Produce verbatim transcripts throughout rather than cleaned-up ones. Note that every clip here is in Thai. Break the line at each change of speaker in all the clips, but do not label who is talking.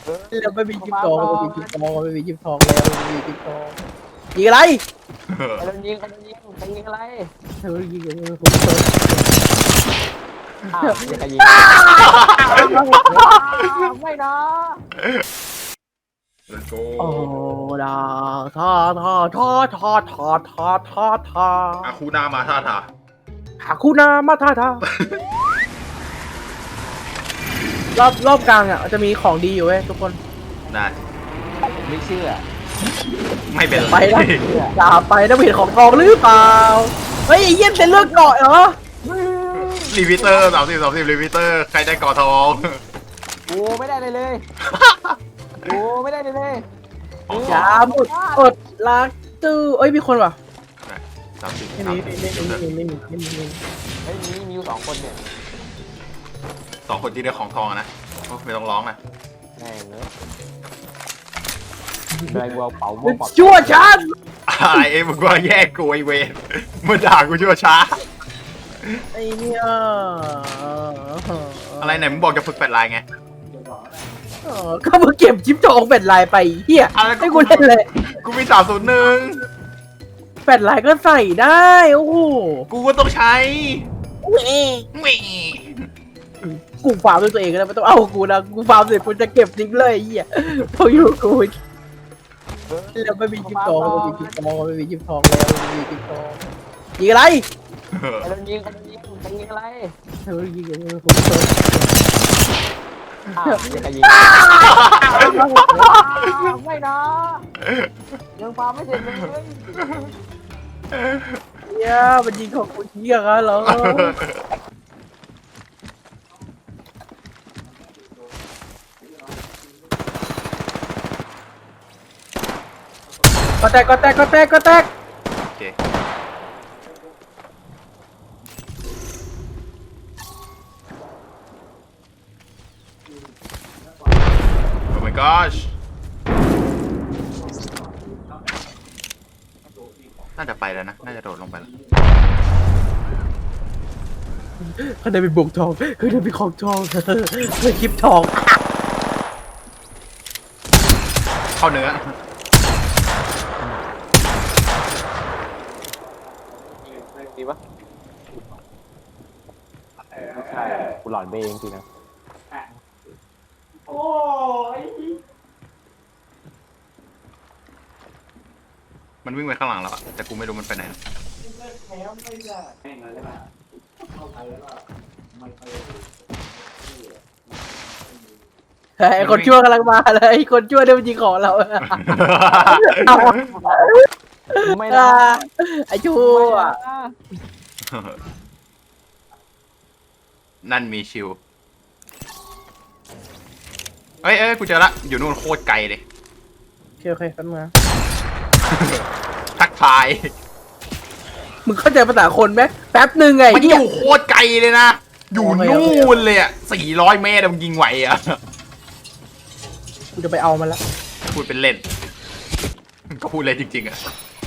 แล้วไม่มีจิ๊บทองไม่มีจิ๊บทองไม่มีจิ๊บทองแล้วไม่มีจิ๊บทองยิงอะไร
ใครโดนยิงใครโดนยิงใครยิงอะไร
เฮ้ยยิงอะไรผมเปิด
อ้าวยิงใครยิงไม่นะ
Let's go
โอ้ดาทอทอทอทอทอทอทอทอ
อาคูนามาท่าทา
หาคู่นามาท่าทา รอบรอบกลางอ่ะจะมีของดีอยู่เว้ยทุกคน
ได้
ไม่เชื่อ
ไม่เป็น
ไป
ไร
นะอย่าไปนะเห็นของทองหรือเปล่าเฮ้ยไอ้เยี่ยมเป็นเลือกเกาะเหรอ
รีวิเตอร์สามสิบสามสิบรีวิเตอร์ใครได้กอทอง
โอ้ไม่ได้เลยเลยโอ้ไม่ได้เลยเลย
อย่าหมดอดรักตู้เอ้ยมีคนว่ะ
สามสิบ
ไม่มีไม่มีไม่มีไม่มีไม่มีไม่มี
เฮ้ยมีมีอยู่สองคนเนี่ย
สองคนที่ได้ของทองอะนะโอ้ไม่ต้องร้องนะ
แม่งเนอะอะไรวัวเป๋าวัวเป๋า
ชั่วฉัน
ไอเอ็มมึงว่าแยกกูไอเวนมาด่ากูชั่วช้า
ไอ้เนี่ย
อะไรไหนมึงบอกจะฝึกแปดลายไง
เออก็มึงเก็บชิปทองเป็นลายไปเฮีย
อะไรก็
ให้กูเล่นเลย
กูมีสามศูนย์หนึ่ง
แปดลายก็ใส่ได้โอ้โห
กูก็ต้องใช้
เว้ย
แหม่
กูฟาร์มด้วยตัวเองแล้วไม่ต้องเอากูนะกูฟาร์มเสร็จกูจะเก็บทิ้งเลยไอ้เฮียพออยู่กูแล้วไม่มีชิปทองไม่มีชิปทองไม่มีชิปทองแล้วไม่มีชิปทองยิงอะไร
ใครโดนยิงใครโดนยิงใครยิงอะไร
เฮ้ยยิงอะไรผมเปิด
อ้าวยิงใครยิงไม่นะยังฟาร์มไม่เสร็จเลย
เนี่ยมันยิงของกูเฮียกันเหรอก็แตกก็แตกก็แตกก็แตก
โอเคโอ้ my gosh น่าจะไปแล้วนะ น่าจะโดดลงไปแล้ว
เขาได้เป็นบวกทองเขาได้เป็นของทองเขาได้คลิปทอง
เข้าเนื้อ
ดีปะใช่กูหลอนไปเองจริงนะ
มันวิ่งไปข้างหลังแล้วอะแต่กูไม่รู้มันไปไหน
ไอ้คนชั่วกำลังมาเลยไอ้คนชั่วเนี่ยมันยิงของเรา
ไม่นะ
ไอ้ชั่
ไม่
ว
นะ
นั่นมีชิวเอ้ยเอ้ยกูเจอละ อยู่นู่นโคตรไกลเลย
โอเคโอเคกันมา
ทักทาย
มึงเข้าใจภาษาคนไหมแป๊บหนึ่งไง
มันอ
เหี้ย
ยู่โคตรไกลเลยนะ อยู่นู่นเลยอ่ะสี่ร้อยเมตรอะมึงยิงไหวอ่ะ
กูจะไปเอามันละ
พูดเป็นเล่น ก็พูดเล่นจริงๆอ่ะ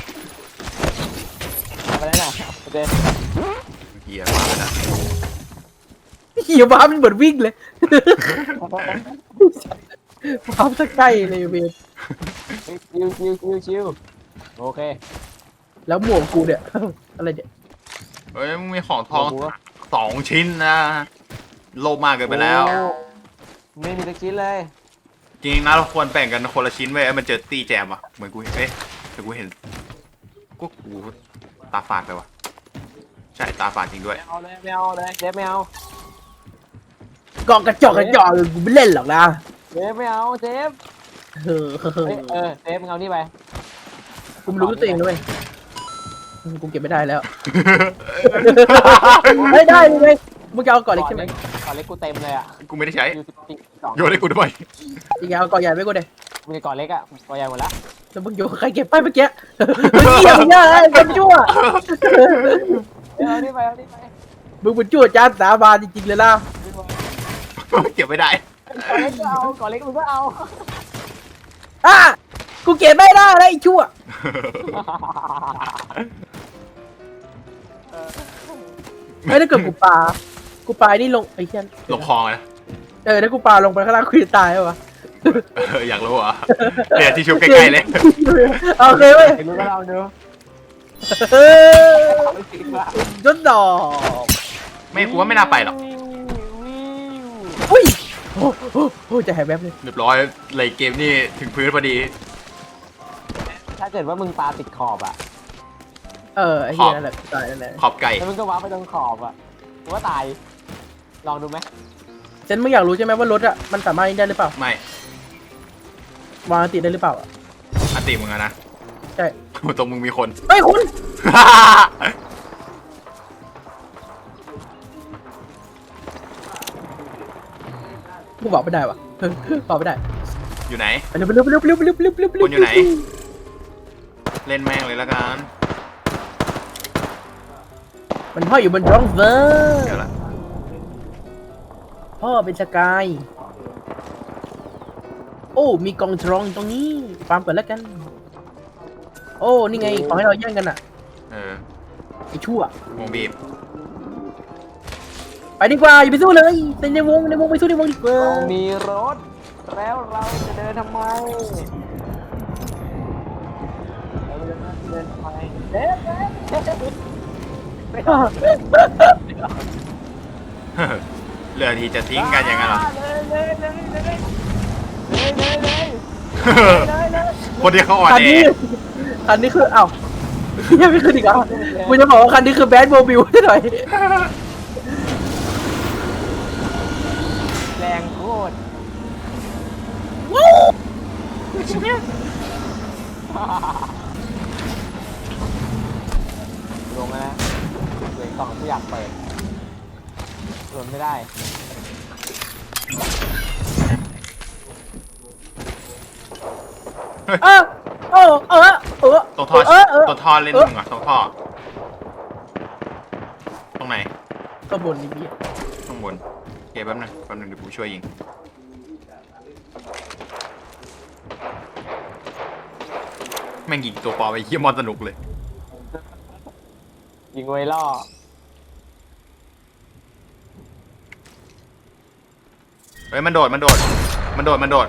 ไปแล้วนะโอเค
เฮียมาแล้วนะ
เหี้ยบ้ามันเหมือนวิ่งเลยบ้าสักใกล้เลยเวร
ชิวชิวชิวชิวโอเค
แล้วหมวกกูเนี่ย อะไรเนี่ย
เฮ้ยมึงมีของทองสองชิ้นนะ โลภมากเกินไปแล้ว
ไม่มีสักชิ้นเลย
จริงๆนะเราควรแบ่งกันคนละชิ้นไว้ยมันเจอตีแจมอ่ะ เหมือนกูเห็นเอ๊ะแต่กูเห็นกูกูตาฝาดไปว่ะ ใช่ตาฝาดจริงด้วย
ไม่เอาเลยไม่เอาเลยเจฟไม่เอา
กองกระจอกกระจอกกูไม่เล่นหรอกนะ
เจฟไม่เอาเจฟ
เออ
เฮ้ยเออเจฟมึงเอานี่ไป
กูรู้ตัวเองด้วยกูเก็บไม่ได้แล้วไม่ได้เลยมึงจะเอาก่อนเล็กใช่ไหม
ก่อนเล็กกูเต็มเลยอ่ะ
กูไม่ได้ใช้
ยูสิบสอง
โยนให้กูด้วย
จริงๆเอาก่อนใหญ่ไม่กูเลย
มึงก่อนเล็กอ่ะก่อนใหญ่หมดละ
แล้วมึงโยนใครเก็บไปเมื่อกี้มึงเกี่ยวมึงเนี่ยไอ้คนชั่ว
เอานี่ไปเอานี่ไป
มึงเป็นชั่วจ้าสาบานจริงๆเลยล่ะ
เก็บไม่ได้
ก่อนเล็กก็เอาก่อนเล็กมึงก็เอา
อ่ะกูเก็บไม่ได้แล้วไอ้ชั่วไม่ได้เกิดกูปลากูปลานี่ลงไอ้เชี่ย
ลงคลองเลยนะ
เออถ้ากูปลาลงไปข้างล่างกูจะตายเหรอวะ
เอออยากรู้เหรอเดี๋ยวที่ชุบใกล้ๆเลย
โอเคเว้ย
ไอ้รู้ก็ลองดู
เฮ้ย
ไม่จริงว่ะ
ยศดอก
ไม่กูว่าไม่น่าไปหรอก
อุ้ยโอ้โหโอ้จะหายแวบเลย
เรียบร้อยเลยเกมนี่ถึงพื้นพอดี
ถ้าเกิดว่ามึงปาติดขอบอ่ะ
เออไอ้เหี้ยนั่นแหละตายนั่นแหละ
ขอบไก่
แล้วมึงก็ว้าไปตรงขอบอ่ะมึงว่าตายลองดูไหม
เจนมึงอยากรู้ใช่ไหมว่ารถอะมันสามารถยิงได้หรือเปล่า
ไม่
วางอันติได้หรือเปล่าอะ
อันติมึงอะนะ
ใช่
ตรงมึงมีคน
เฮ้ยคุณกูบอกไม่ได้วะบอกไม่ได้
อยู่ไหน
ไปเร็วไปเร็วไปเร็วไปเร็วไปเร็วไปเร็วไปเร็ว
คนอยู่ไหน เล่นแม่งเลยละกัน
มันห้อยอยู่บนร่องเวอร์
เดี๋ยวละ
พ่อเป็นสกาย โอ้ มีกองทรองตรงนี้ฟาร์มก่อนแล้วกัน โอ้ นี่ไง ขอให้เราแย่งกันอ่ะ
เออ
ไอ้ชั่ว
วงบีบ
ไปดีกว่า อย่าไปสู้เลยในในวงในวงไปสู้ในวงดีกว่า
เรามีรถ แล้วเราจะเดินทำไมเราจะเดินทำไมเด็ดเด็ดเด็ดไม่ต้อง
เหลือที่จะทิ้งกันอย่างนั้นเหรอ
เลยเลยเลยเลยเลยเลยเลยเลยเลย
คนที่เขาอ่อน
คัน
แอ
นี้ คันนี้คืออ้าวยังไม่ขึ้นอีกเหรอ่ะกูจะบอกว่าคันนี้คือแบดโมบิลให้หน่อย
แรงโคตรลงแล้วนะเหลือกล่องที่อยากเปิดรวนไม่ได้
เออเออเออเออ
ตรงท่อ
เออเออ
ตรงท่อเล่นมึงเหรอตรงท่อ ตรงไหน
ข้างบนนี่พี่
ข้างบนโอเคแป๊บนึงแป๊บนึงเดี๋ยวกูช่วยยิง แม่งยิงตัวปลอมไปเยี่ยมอนสนุกเลย
ยิงไว้ล่อ
เฮ้ยมันโดดมันโดด มันโดดมันโดด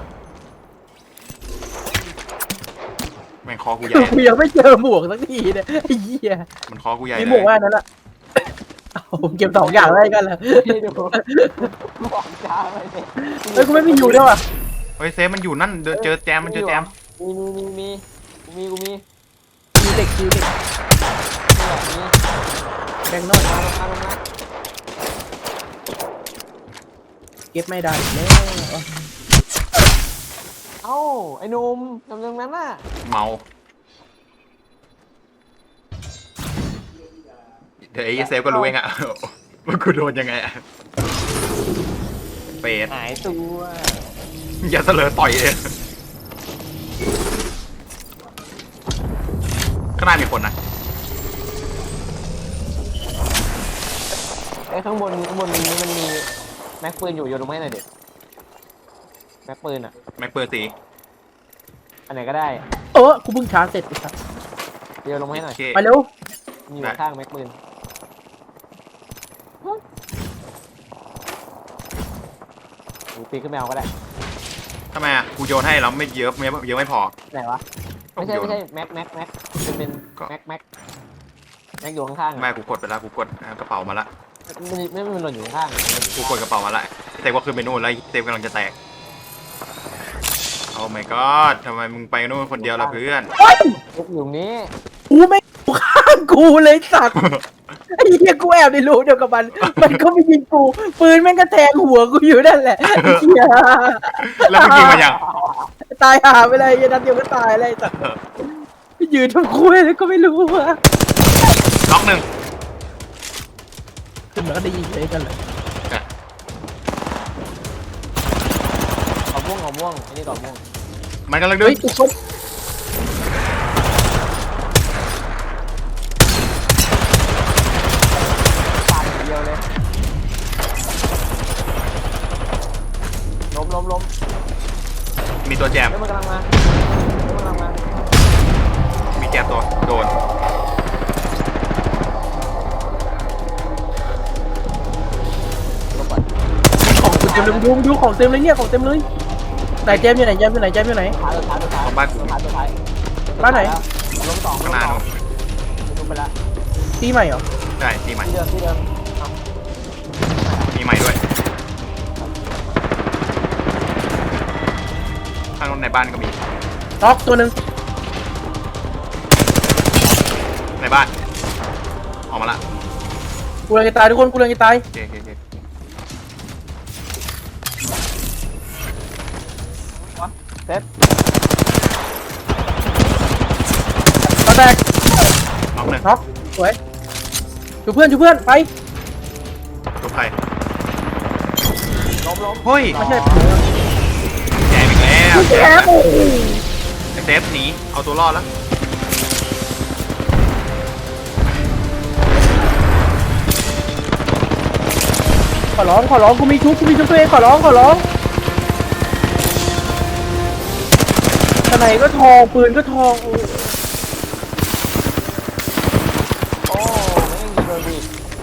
แม่งคอกูใหญ่
กูยังไม่เจอหมวกสักทีเนี่ยไอ้เหี้ย
มันคอกูใหญ่
มี
เล
หมวก
ย
ว่านั้นอะเอาผมเก็บสองอย่างไว้กันเลย
พี่ดูบอกจ้าไปเลย
เฮ้ยกูไม่มีอยู่ด้วยว่ะ
เฮ้ยเซฟมันอยู่นั่นเจอเจอแจมมันเจอแจม
มีมีมีมีกูมีกูมี
คิวเหล็กคิวเหล็ก
มีแบบนี้
แบงค์นอก
มาลงมาลงมา
เก็บไม่ได้แล้ว
เอ้าไอ้หนุ่มทำตรงนั้นน่ะ
เมาเดี๋ยวไอ้เซฟก็รู้เองอะ ว่ากูโดนยังไงอะเป็ด
หายตัว
อย่าเสลอต่อยเลยข้างหน้ามีคนนะ
ไอ้ข้างบนข้างบนนี้มันมีแม็กปืนอยู่โยนลงมาให้หน่อยเด็ดแม็กปืนอ่ะ
แม็กเปอร์สี
อันไหนก็ได้
เออกูเพิ่งชาร์จเสร็จไอ้สัส
โยนลงมาให้หน่
โอ
อย
เค
ไปเร็ว
มีอยู่ข้างแม็กปืนหรือปีนขึ้นไปเอาก็ได้
ทำไมอะกูโยนให้แล้วไม่เยอะไม่เยอะไม่พอ
ไหนวะไม่ใช่ไม่ใช่แม็กแม็กแม็กเป็นเป็น
ก็
แม็กแม็กแม็กอยู่ข้างๆ
ไม่
อะ
กูกดไปแล้วกูกดอ่ากระเป๋ามาละ
ไม่ไม่ไม่มันหล่นอยู่ข้างๆ
กูกดกระเป๋ามาละเซฟก็ขึ้นไปนู่นแล้วเซฟกำลังจะแตกโอ้ my god ทำไมมึงไปนู่นคนเดียวล่ะเพื่อน
เฮ้ย
ลูกอยู่ตรงนี้
กูไม่อยู่ข้างกูเลยสัตว์ไอ้เหี้ยกูแอบในรูเดียวกับมัน มันก็ไม่ยิงกูปืนแม่งก็แทงหัวกูอยู่นั่นแหละไอ้เหี้ย
แล้วมึงยิงมายัง
ตายหาไปเลยยันนัดเดียวก็ตายเลยสัตว์ยืนทำคุยแล้วก็ไม่รู้ว่า
ล็อกหนึ่ง
ขึ้นมาก็ได้ยิงเลยกันเลย
ขอม่วงขอม่วงไอ้นี่ขอม่วง
มันกำลังดึ
เฮ้
ง
ยทุกคน
ปาดอย่างเดียวเลยล้มล้มล้ม
มีตัวแจม
เฮ้ยมันกำลังมาเฮ้ยมันกำลังมา
มีแจมตัวโดน
ลบก่อน
ของเต็มเลยดูดูของเต็มเลยเนี่ยของเต็มเลยไหนเจมส์อยู่ไหนเจมส์อยู่ไหนเจมส์อยู่ไหน
ท้ายตัวท้ายตัวท้าย
ของบ้านกู
ตัวท้ายตัวท้าย
บ้านไหน
ลงสองล
ข้าง
ง
หน้า
สอง
นู่น
ลงไปละ
ตีใหม่เหรอ
ใช่ตีใหม่
ที่เดิมที่เดิม
มีใหม่ด้วยข้างในบ้านก็มี
น็อกตัวหนึ่ง
ในบ้านออกมาละ
กูเลยจะตายทุกคนกูเลยจะตาย
โอเคโอเคโอเค
เซ็ต
มาแตก
น้องหนึ่ง
น็อกสวยชูเพื่อนชูเพื่อนไป
ตัวใคร
ล้มล้ม
เฮ้ย
ไม่ใช่
แจมอีกแล้ว
แกโอ้โห
ไอเซฟหนีเอาตัวรอดแล้ว
ขอร้องขอร้องกูมีชุบกูมีชุบตัวเองขอร้องขอร้องทนายก็ทองปืนก็ทองโอ้
โอ้ไม่ยังยิงโดนดิ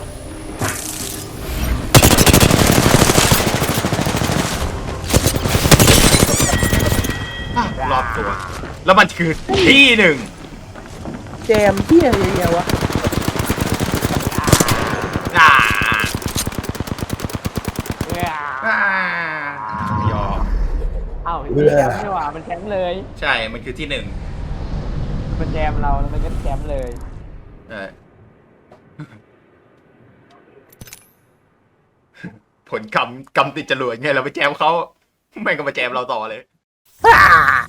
อ่ะรอบตัว แล้วมันคือที่หนึ่ง
แจมเที่ยอะไรเนี่ยวะ
อ่า
เนี่ย
อ่ายอม
เอ้ามีแชมป์นี่หว่ามันแชมป์เลย
ใช่ มันคือที่หนึ่ง
มันแจมเราแล้วมันก็แชมป์เลย
เออ ผลกรรมกรรมติดจรวดไงเราไปแจมเขาแม่งก็มาแจมเราต่อเลย
ฮ่า